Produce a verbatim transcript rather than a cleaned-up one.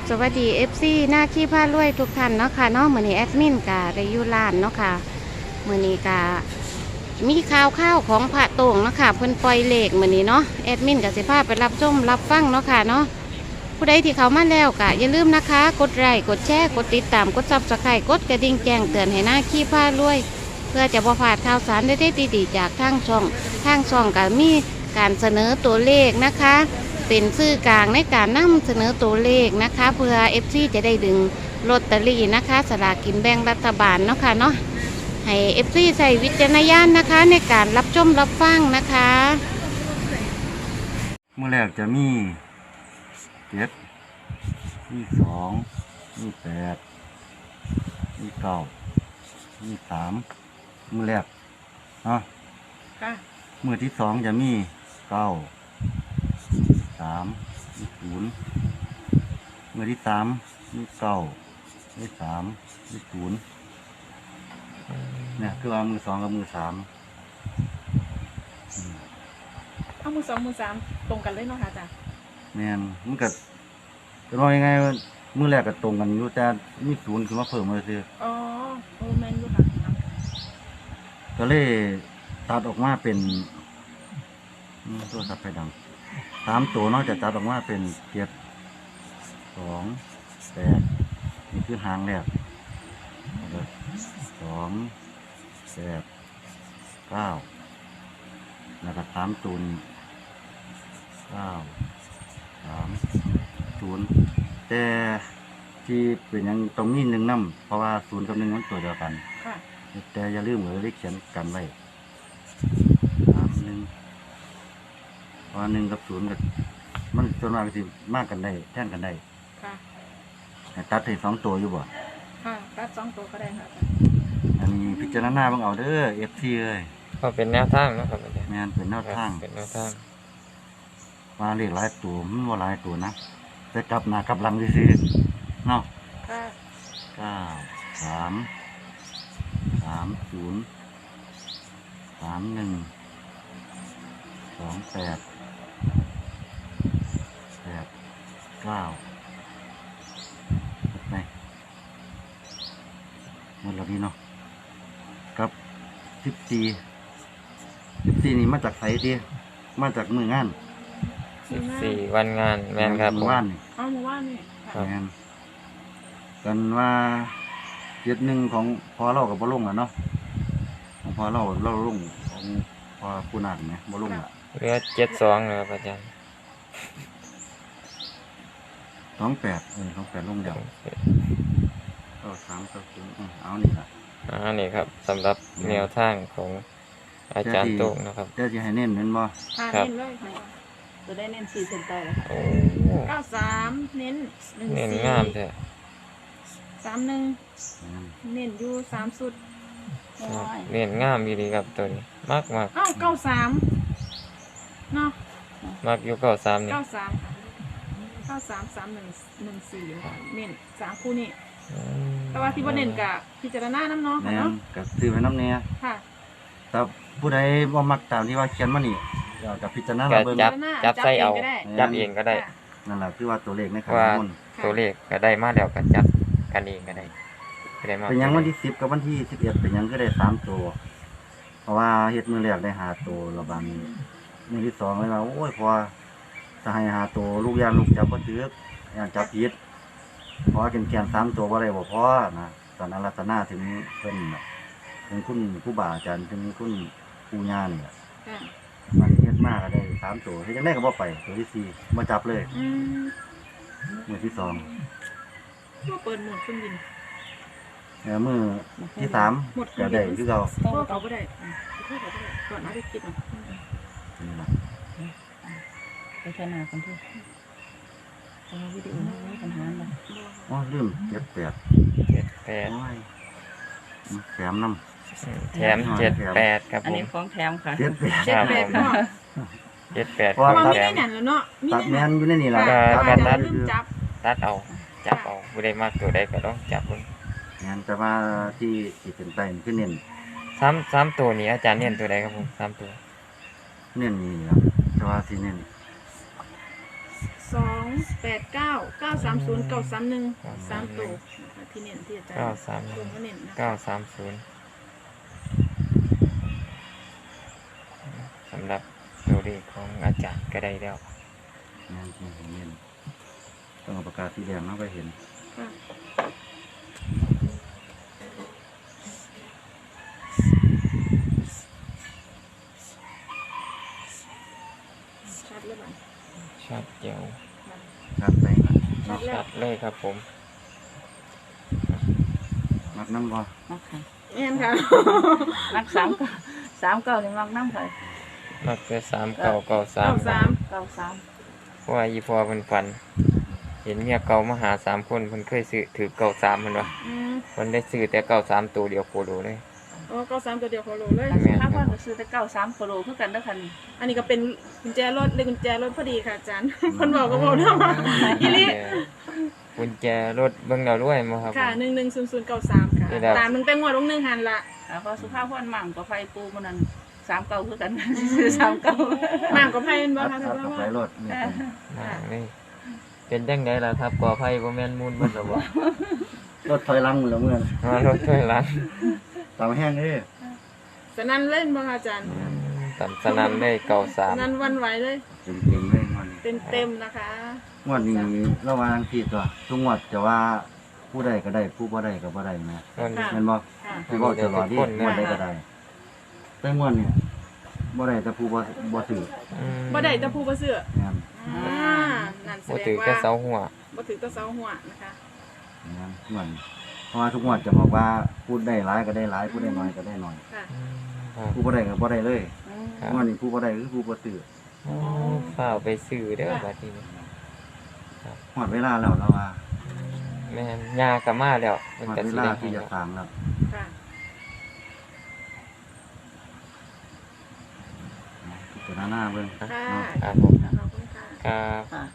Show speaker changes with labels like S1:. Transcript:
S1: สวัสดี เอฟ ซี หน้าขี้ผ้ารวยทุกท่านเนาะค่ะเนาะมื้อนี้แอดมินกะได้อยู่ร้านเนาะค่ะมื้อนี้กะมีข่าวข่าวของพระโต่งเนาะค่ะเพิ่นปล่อยเลขมื้อนี้เนาะแอดมินกะสิพาไปรับชมรับฟังเนาะค่ะเนาะผู้ใดที่เข้ามาแล้วกะอย่าลืมนะคะกดไลค์กดแชร์กดติดตามกด ซับสไครบ์ กดกระดิ่งแจ้งเตือนให้หน้าขี้ผ้ารวยเพื่อจะบ่พลาดข่าวสารได้ดีๆจากทางช่องทางช่องก็มีการเสนอตัวเลขนะคะเป็นสื่อกลางในการนำเสนอตัวเลขนะคะเพื่อ เอฟ ซี จะได้ดึงลอตเตอรี่นะคะสลากกินแบ่งรัฐบาลเนาะค่ะเนาะให้ เอฟ ซี ใส่วิจารณญาณนะคะในการรับชมรับฟังนะคะ
S2: เมื่อแรกจะมีเจ็ดมีสองมีแปดมีเก้ามีสามมือแรกเนาะมือที่สองจะมีเก้าสามมีศูนย์มือที่สามมีเก้ามีสามมีศูนย์เนี่ยคือเอามือสองกับมือสาม
S3: เอามือสองมือสามตรงกันเลยเนาะค่ะจ้ะ
S2: แม่นมันก็จะว่ายังไงมือแรกก็ตรงกันอยู่แต่มีศูนย์คือมาเพิ่มมาซื้อ
S3: อ๋อโอ้แมนอยู่ค่ะ
S2: ก็เลยตัดออกมาเป็นตัวสับไฟดังสามตัวนอกจากตัดออกมาเป็นเจ็ดสองแปดนี่คือหางแรกสองแปดเก้าแล้วก็สามตูนเก้าสามศูนย์แต่ที่เป็นยังตรงนี้หนึ่งน้ำเพราะว่าศูนย์กับหนึ่งมันตัวเดียวกันแต่อย่าลืมเลยเลขเขียนกันไว้สามหนึ่งเพราะหนึ่งกับศูนย์กับมันส่วนมากสิมากกันได้แท่งกันได้ตัดให้สองตัวอยู่บ่
S3: ค่ะตัดสองตัวก็ได้ค่ะ
S2: อันนี้พิจารณาบ้างเอาเด้อเอฟซีเลย
S4: ก็เป็นแนวทางนะครับอาจารย์
S2: แม่นเป็นแนวทาง
S4: เป็นแนวทาง
S2: มาเลขหลายตัวมันว่าหลายตัวนะแต่กลับหน้ากลับหลังซื่อๆเนาะเก้าสามสามศูนย์สามหนึ่งสองแปดแปดเก้าไหนหมดแล้วพี่เนาะกับสิบสี่สิบสี่นี่มาจากไสดีมาจากมืองาน
S4: สิบสี่วันงานแมนครับผม
S2: ว่านนี่
S3: อ๋อมือว่านนี่
S2: แมนกันว่าเจ็ดหนึ่งของพอเรากับบ่ลงอ่ะเนาะของพอเราเราลงของพอผู้นักเนี่ยบ่ลงอ่ะ
S4: เหลือเจ็ดสองนะครับอาจารย์
S2: สองแปดเออสองแปดลงเดียวก็สามก็ถึงเอานี่แหละ
S4: อ่านี่ครับสำหรับแนวทางของอาจารย์โต้งนะครับ
S2: เดี๋ยวจะให้เน้นเน้นบ่
S3: ครับเน้นเลยจะได้เน้นสี่เซนเตอร์เลยค่ะเก้าสามเน้นหนึ่งสี่เน้นงามแท้สามหนึ่งเน้นอยู่สามสุด
S4: เน้นงามดีครับตัวนี้มากมาก
S3: อ้าวเก้าสามเนาะ
S4: มากอยู่เก้าสามนี่
S3: เก้าสามเก้าสามสามหนึ่งหนึ่งสี่เน้นสามคู่นี่แต่ว่าที่ว่าเน้นกับพิจารณาน้ำเนาะ
S2: เนาะกับซื้อไปน้ำเนี้ย
S3: ค่ะ
S2: แต่ผู้ใดบ่มักตามที่ว่าเขียนมานี่กับพิจารณาเรา
S4: เบิ่งจับจับใส่เอาจับเองก็ได้
S2: นั่นแหละคือว่าตัวเลขในข้อมูล
S4: ตัวเลขก็ได้มาแล้วก็จับกันเองก็ได้
S2: เป็นยังวันที่สิบกับวันที่สิบเอ็ดเป็นยังก็ได้สามตัวเพราะว่าเฮ็ดมือแรกได้หาตัวระบาดนี้มือที่สองเลยว่าโอ้ยพอจะให้หาตัวลูกยานลูกจับก็ถืออย่างจับผิดเพราะกินแกนสามตัวว่าอะไรบ่พอนะตอนนั้นรัตนาถึงเพิ่นถึงคุณผู้บ่าอาจารย์ถึงคุณผู้ญาณเนี่ยมันเฮ็ดมากก็ได้สามตัวที่ยังได้ก็บ่ไปตัวที่สี่มาจับเลยมือที่สอง
S3: ก็เปิดหมดเครื่องบิน
S2: แล้วมือที่สามก็ได้คือเรา
S3: เอาไปได้ก่อนเอาไปคิดหน่อยไปแค่นาคนที่เอาวิดีโอนี้ปัญหาเลย
S2: อ๋อลืมเจ็ดแปด
S4: เจ็ดแปด
S2: แถมน้ำ
S4: แถมเจ็ดแปดครับผม
S3: อันนี้ของแถมค่ะ
S2: เจ็ดแปด
S4: เจ็ดแปดเจ็ดแปด
S3: ตัดแมนแล้วเนาะ
S2: ตัดแมนอยู่ในนี่แหละ
S4: ตัดตัดเอาจับเอาผู้ใดมากตัวใดก็ต้องจับคน
S2: งานแต่ว่าที่ที่เป็นไปขึ้นเน้น
S4: สามสามตัวนี้อาจารย์เน้นตัวใดครับผมสามตัว
S2: เน้นนี่ครับแต่ว่าที่เน้น
S3: สองแปดเก้าเก้าสามศูนย์เก้าสามหนึ่งสามตัวนะคะที่เน้นที่อาจารย์
S4: เก้าสาม
S3: ลงมาเน้นนะ
S4: เก้าสามศูนย์สำหรับตัวเลขของอาจารย์ก็ได้แล้ว
S2: งานที่เห็นต้องเอาปากกาสีแดงเนาะไปเห็น
S3: ค่ะชัดเลยบ้าง
S4: ชัดเจียว
S2: ชัดไปนะ
S3: ชัดแล้
S4: ชั
S3: ว
S4: ดเลยครับผม
S2: มักน้ำบ่
S5: มักค่ะ
S3: แม่นค่ะ
S5: มักสามเก้าสามเก้านี่มักน้ำค่ะ
S4: มักจะสามเก้าเก้าสา
S3: เก้าม สาม
S5: เก้าสาม
S4: เพราะว่าอีพอเพิ่นฝัน เห็นเมียเก่ามาหาสามคนเพิ่นเคยซื้อถือเก้าสามเพิ่นว่า
S3: อืม
S4: เพิ่นได้ซื้อแต่เก้าสามตัวเดียวโคโลเลย
S3: อ๋อเก้าสามตัวเดียวโคโลเลย
S4: แม่น
S5: ถ้าพ่อก็ซื้อแต่เก้าสามโคโลคือกันเด้อค่ะนี่
S3: อันนี้ก็เป็นกุญแจรถเลยกุญแจรถพอดีค่ะอาจารย์ คนบอกก็บอกนะว่าอีลิ
S4: กุญแจรถเบิ่งแล้วรวยมั้งครับ
S3: ค่ะหนึ่งหนึ่งศูนย์ศูนย์เก้าสามค่ะ
S4: นี่แหละ
S3: ตามหนึ่งแต่งวดลงหนึ่งหันละ
S5: อ่าพอสุภาพพ่อนมั่งก็ไฟปูมันนั่นสามเก้าคือกัน ซื้อสามเก้า
S3: หมางกับไพ่เป็นบ่
S2: อัด
S3: คะ
S2: อัด
S3: ท่าน
S2: กับ
S3: ว่า
S2: ไฟรถนี่เป็น
S4: มาเลยเป็นจังไดล่ะครับก่อไฟบ่แม่นมูลเบิดหรอบ่
S2: รถถอยหลังหมดแล้วเมื่อน
S4: มารถถ้วยหลัง
S2: ตามแห้งเอ้ย
S3: สนั่นเล่นบ่คะอาจารย์
S4: ตันสนั่นเลยเก้าสา
S3: ส
S4: ม
S3: นั่นหวันไหวเลย
S2: เต็มเต็มๆเลยงวดนี้
S3: เต็มเต็มๆนะคะ
S2: งวดนี้ระหว่างที่ตัวทุกงวดจะว่าผู้ใดก็ได้ผู้บ่ได้ก็บ่ได้นะ
S4: มัน
S3: ค่ะ
S2: แม่นบ่
S3: ค่ะ
S2: คือบอกตลอดที่งวดใดก็ได้แต่งวดเนี่ยบ่ได้แต่ผู้บ่บ่ถือ
S4: อืม
S3: บ่ได้แตะผู้บ่เสื้อ
S2: แม่น
S3: อ่านั่นแส
S4: บ่
S3: ด
S4: ถือง
S3: ว่า
S4: แต่เสาหัว
S3: บ่ถือแต่เสาหัวนะคะ
S2: แม่นงวดนี้เพราะว่าทุกงวดจะบอกว่าพูดได้หลายก็ได้หลายพูดได้น้อยก็ได้น้อย
S3: ค่ะ
S4: อืมครับ
S2: ผู้บ่ได้ก็บ่ได้เลย
S4: ครับ
S2: งวดนี้ผู้บ่ได้คือผู้บ่ซื้อ
S4: โอ้ฝ้าวไปซื้อเด้อบัดนี้
S2: หมดเวลาแล้วแล้วว่า
S4: แม่นยากลับมาแล้วมัน
S2: หมด
S4: ก็
S2: เว
S4: สิ
S2: ลา
S4: ได้
S2: ที่
S4: ให้
S2: จะ
S4: แล้ว
S2: สร้างแล้ว
S3: ค่ะ
S2: พิจารณาเบิ่ง
S3: ค่ะ
S2: เนาะ
S4: ครับผม
S3: ขอบคุณค่ะ
S4: ครับ
S5: ค่ะ